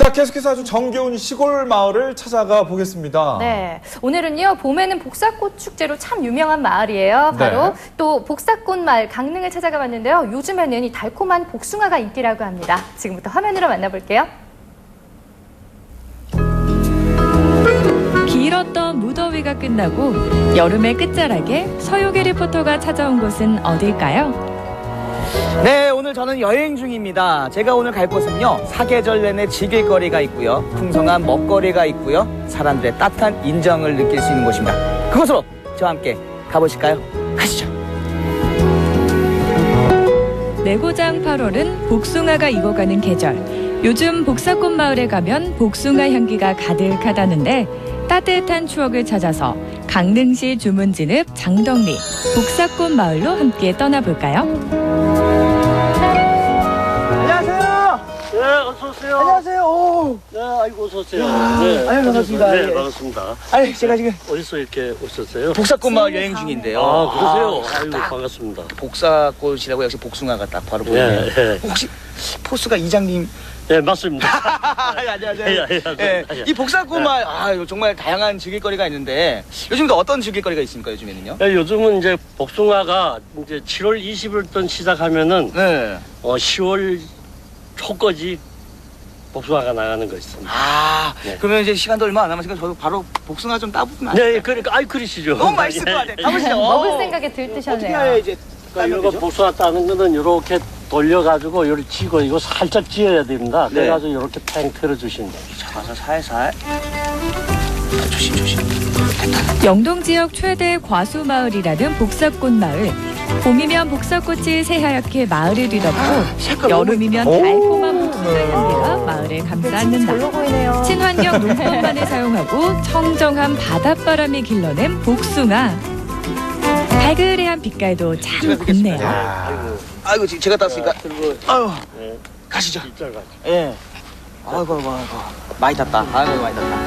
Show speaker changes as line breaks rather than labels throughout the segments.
자, 계속해서 아주 정겨운 시골 마을을 찾아가 보겠습니다.
네, 오늘은요 봄에는 복사꽃 축제로 참 유명한 마을이에요. 바로
네.
또 복사꽃 마을 강릉을 찾아가 봤는데요. 요즘에는 이 달콤한 복숭아가 인기라고 합니다. 지금부터 화면으로 만나볼게요.
길었던 무더위가 끝나고 여름의 끝자락에 서유기 리포터가 찾아온 곳은 어딜까요?
네, 오늘 저는 여행 중입니다. 제가 오늘 갈 곳은요, 사계절 내내 즐길 거리가 있고요, 풍성한 먹거리가 있고요, 사람들의 따뜻한 인정을 느낄 수 있는 곳입니다. 그곳으로 저와 함께 가보실까요? 가시죠.
내고장 8월은 복숭아가 익어가는 계절. 요즘 복사꽃 마을에 가면 복숭아 향기가 가득하다는데 따뜻한 추억을 찾아서 강릉시 주문진읍 장덕리 복사꽃 마을로 함께 떠나볼까요?
안녕하세요.
네, 어서오세요.
안녕하세요. 오.
네, 아이고, 어서오세요.
야, 아유, 반갑습니다.
네,
예.
반갑습니다.
아니, 제가 지금
어디서 이렇게 오셨어요?
복사꽃 마을 여행 중인데요.
아, 그러세요? 아이고,
딱
반갑습니다.
복사꽃이라고 역시 복숭아가 딱 바로 보이네요.
예, 예.
혹시 포스가 이장님?
네, 맞습니다.
안녕하세요.
예, 예,
예,
예.
이 복사꽃 마을, 정말 다양한 즐길거리가 있는데 요즘도 어떤 즐길거리가 있습니까, 요즘에는요?
네, 요즘은 이제 복숭아가 이제 7월 20일부터 시작하면은
네.
10월 초까지 복숭아가 나가는 거 있습니다. 네.
그러면 이제 시간도 얼마 안 남았으니까 저도 바로 복숭아 좀 따보면 안
네,
될까요?
그러니까, 아이, 그러시죠.
너무 맛있을 것 같아요. 가보시죠.
먹을 생각에
어떻게 해야
들뜨셨네요.
이제
그러니까
따면
이거
되죠?
복숭아 따는 거는 이렇게 돌려가지고 이렇게 쥐고 이거 살짝 쥐어야 됩니다.
네.
그래가지고 이렇게 팽 틀어주시면 됩니다.
잡아서 살살. 조심.
영동 지역 최대 과수 마을이라는 복사꽃 마을. 봄이면 복사꽃이 새하얗게 마을을 뒤덮고 여름이면 달콤한 복숭아 향기가 마을을 감싸 안는다.
별로 보이네요.
친환경 농법만을 사용하고 청정한 바닷바람이 길러낸 복숭아. 발그레한 빛깔도 참 곱네요.
아이고, 제가 땄으니까.
그리고
아유,
네,
가시죠.
입잘 가죠.
예. 아이고. 많이 땄다. 아이고, 많이 땄다.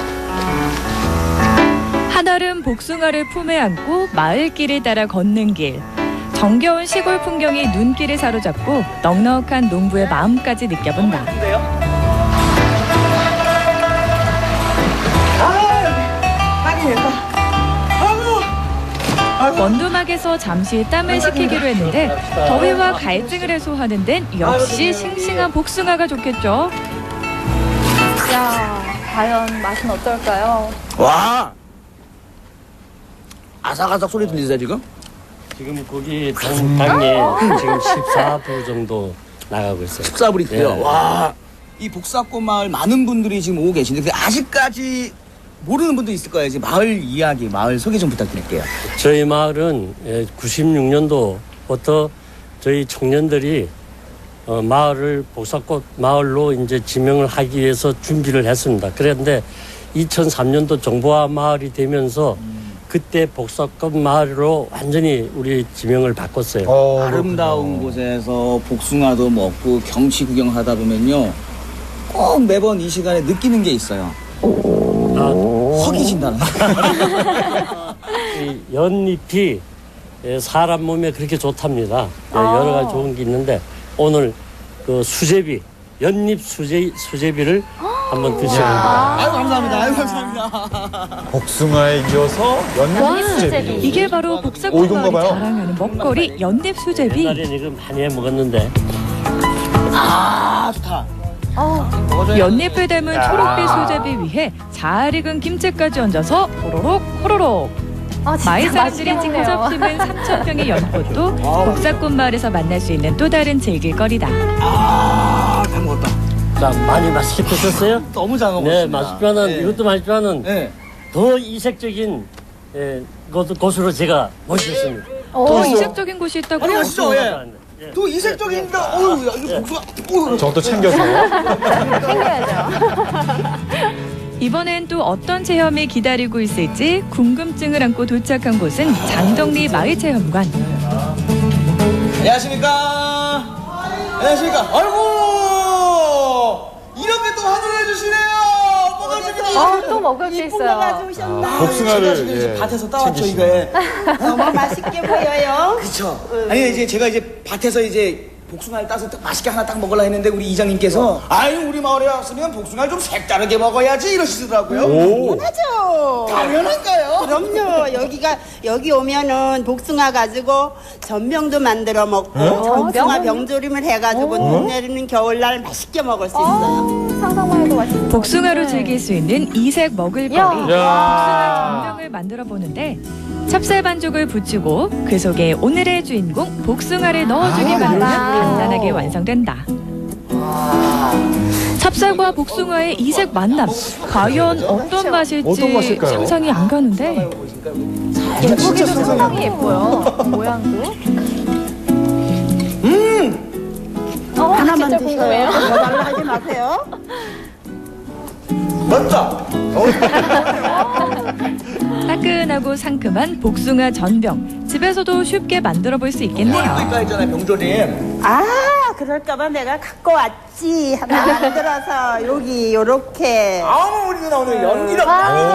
한아름 복숭아를 품에 안고 마을길을 따라 걷는 길. 정겨운 시골 풍경이 눈길을 사로잡고 넉넉한 농부의 마음까지 느껴본다.
근데요?
원두막에서 잠시 땀을 식히기로 했는데 더위와 갈증을 해소하는 데는 역시 싱싱한 복숭아가 좋겠죠.
야, 과연 맛은 어떨까요?
와! 아삭아삭 소리 들리세요, 지금?
지금 거기 당이 지금 14부 정도 나가고 있어요.
14불 있고요.
예.
와, 이 복사꽃 마을 많은 분들이 지금 오고 계신데 근데 아직까지 모르는 분도 있을 거예요. 이제 마을 이야기, 마을 소개 좀 부탁드릴게요.
저희 마을은 96년도부터 저희 청년들이 마을을 복사꽃 마을로 이제 지명을 하기 위해서 준비를 했습니다. 그런데 2003년도 정보화 마을이 되면서 그때 복사꽃 마을로 완전히 우리 지명을 바꿨어요.
아름다운 곳에서 복숭아도 먹고 경치 구경하다 보면요. 꼭 매번 이 시간에 느끼는 게 있어요. 허기진다는 거.
이 연잎이 사람 몸에 그렇게 좋답니다. 여러 가지 좋은 게 있는데 오늘 그 수제비, 연잎 수제비를 한번 드셔봅니다.
아유, 감사합니다. 아유, 감사합니다.
복숭아에 이어서 연잎 수제비.
이게 바로 복사꽃
이건가
마을이
봐요.
자랑하는 먹거리 연잎 수제비.
옛날에는 이거 많이 해 먹었는데
좋다.
연잎을 담은 초록빛 수제비 위에 잘 익은 김치까지 얹어서 호로록.
진짜
마을
맛있게
사람들이
먹네요.
직접 심은 3,000평의 연꽃도 복사꽃 마을에서 만날 수 있는 또 다른 즐길거리다.
다 먹었다.
자, 많이 맛있게 드셨어요?
너무 잘 먹었습니다.
네, 맛있지만은
네.
이것도 맛있지만은
네.
더 이색적인 곳으로 제가 모셨습니다.
더 이색적인 곳이 있다고요?
아니, 가시죠. 예.
예.
또 이색적인다. 어유, 야, 이거 복숭아. 어휴.
저것도 챙겨서.
이번엔 또 어떤 체험이 기다리고 있을지 궁금증을 안고 도착한 곳은 장덕리 마을체험관.
안녕하십니까. 아이고, 이렇게 또 환호를 해주시네요. 반갑습니다.
또 먹을 게 있어요.
복숭아를
제가 지금
예,
밭에서 따왔죠,
챙기시네요.
이거.
너무 맛있게 보여요.
그쵸. 아니, 제가 밭에서 복숭아를 따서 딱 맛있게 하나 딱 먹으려 했는데 우리 이장님께서 아유 우리 마을에 왔으면 복숭아를 좀 색다르게 먹어야지 이러시더라고요.
당연하죠.
당연한가요?
그럼요. 여기 오면은 복숭아 가지고 전병도 만들어 먹고 복숭아 병조림을 해가지고 눈 내리는 겨울날 맛있게 먹을 수 있어요.
상상만 해도 맛있어.
복숭아로 즐길 수 있는 이색 먹을거리
야.
복숭아 전병을 만들어 보는데 찹쌀 반죽을 붙이고 그 속에 오늘의 주인공 복숭아를 넣어주기만 하면 간단하게 완성된다. 찹쌀과 복숭아의 이색 만남 과연 어떤 맛일지
어떤 맛일까요?
상상이 안 가는데
예쁘기도 상당히 예뻐요. 모양도.
하나만
진짜
드셔요.
궁금해요.
더 달라 하지 마세요.
맞다.
따끈하고 상큼한 복숭아 전병 집에서도 쉽게 만들어 볼 수 있겠네요.
이거 있잖아요 병조림.
아, 그럴까봐 내가 갖고 왔지. 하나 만들어서 여기 요렇게.
아우 우리 누나 오늘 연기력.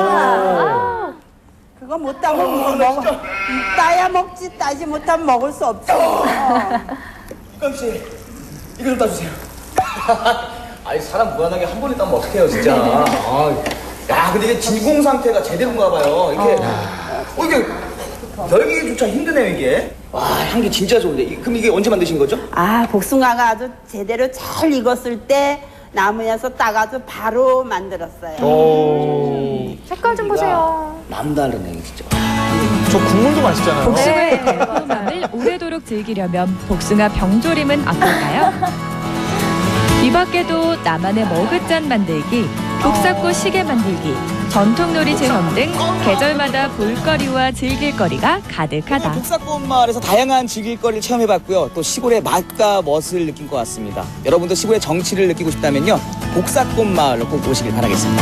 그거 못 따면 먹어. 따야 먹지 따지 못하면 먹을 수 없어.
깡 씨, 이거 좀 따주세요. 아니 사람 무한하게 한 번에 따면 어떡해요 진짜. 야 근데 이게 진공 상태가 제대로인가 봐요. 이게 열기조차 힘드네요 이게. 와 향기 진짜 좋은데. 그럼 이게 언제 만드신 거죠?
아, 복숭아가 아주 제대로 잘 익었을 때 나무에서 따가지고 바로 만들었어요.
색깔 좀 보세요.
남다르네 진짜.
저 국물도 맛있잖아요.
복숭아의 달콤함을 오래도록 즐기려면 복숭아 병조림은 어떨까요? 이 밖에도 나만의 머그잔 만들기, 복사꽃 시계 만들기, 전통놀이 체험 등 계절마다 볼거리와 즐길거리가 가득하다.
복사꽃 마을에서 다양한 즐길거리를 체험해봤고요. 또 시골의 맛과 멋을 느낀 것 같습니다. 여러분도 시골의 정취를 느끼고 싶다면요. 복사꽃 마을로 꼭 오시길 바라겠습니다.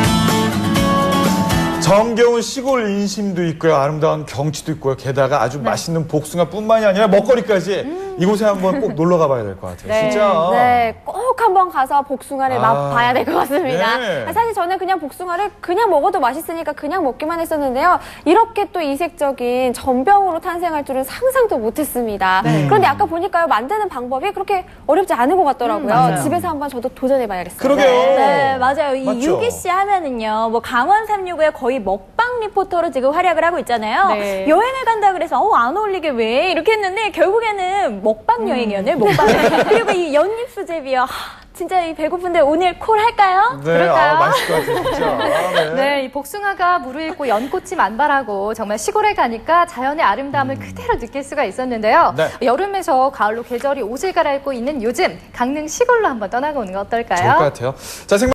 정겨운 시골 인심도 있고요. 아름다운 경치도 있고요. 게다가 아주 맛있는 복숭아뿐만이 아니라 먹거리까지 이곳에 한번 꼭 놀러 가봐야 될 것 같아요. 진짜.
네, 꼭 한번 가서 복숭아를 맛봐야 될 것 같습니다.
네.
사실 저는 그냥 복숭아를 그냥 먹어도 맛있으니까 그냥 먹기만 했었는데요. 이렇게 또 이색적인 전병으로 탄생할 줄은 상상도 못했습니다. 그런데 아까 보니까요, 만드는 방법이 그렇게 어렵지 않은 것 같더라고요.
맞아요.
집에서 한번 저도 도전해봐야겠어요.
그러게요.
네, 맞아요. 이
맞죠?
유기 씨 하면은요, 뭐 강원 365의 거의 먹방 리포터로 지금 활약을 하고 있잖아요.
네.
여행을 간다 그래서 안 어울리게 왜 이렇게 했는데 결국에는 먹방 여행이었네요. 먹방. 그리고 이 연잎 수제비요. 진짜 이 배고픈데 오늘 콜 할까요?
네,
그럴까요?
맛있을 것 같아요, 진짜. 네.
네, 이 복숭아가 무르익고 연꽃이 만발하고 정말 시골에 가니까 자연의 아름다움을 그대로 느낄 수가 있었는데요.
네.
여름에서 가을로 계절이 옷을 갈아입고 있는 요즘 강릉 시골로 한번 떠나고 오는 거 어떨까요?
좋을 것 같아요. 자,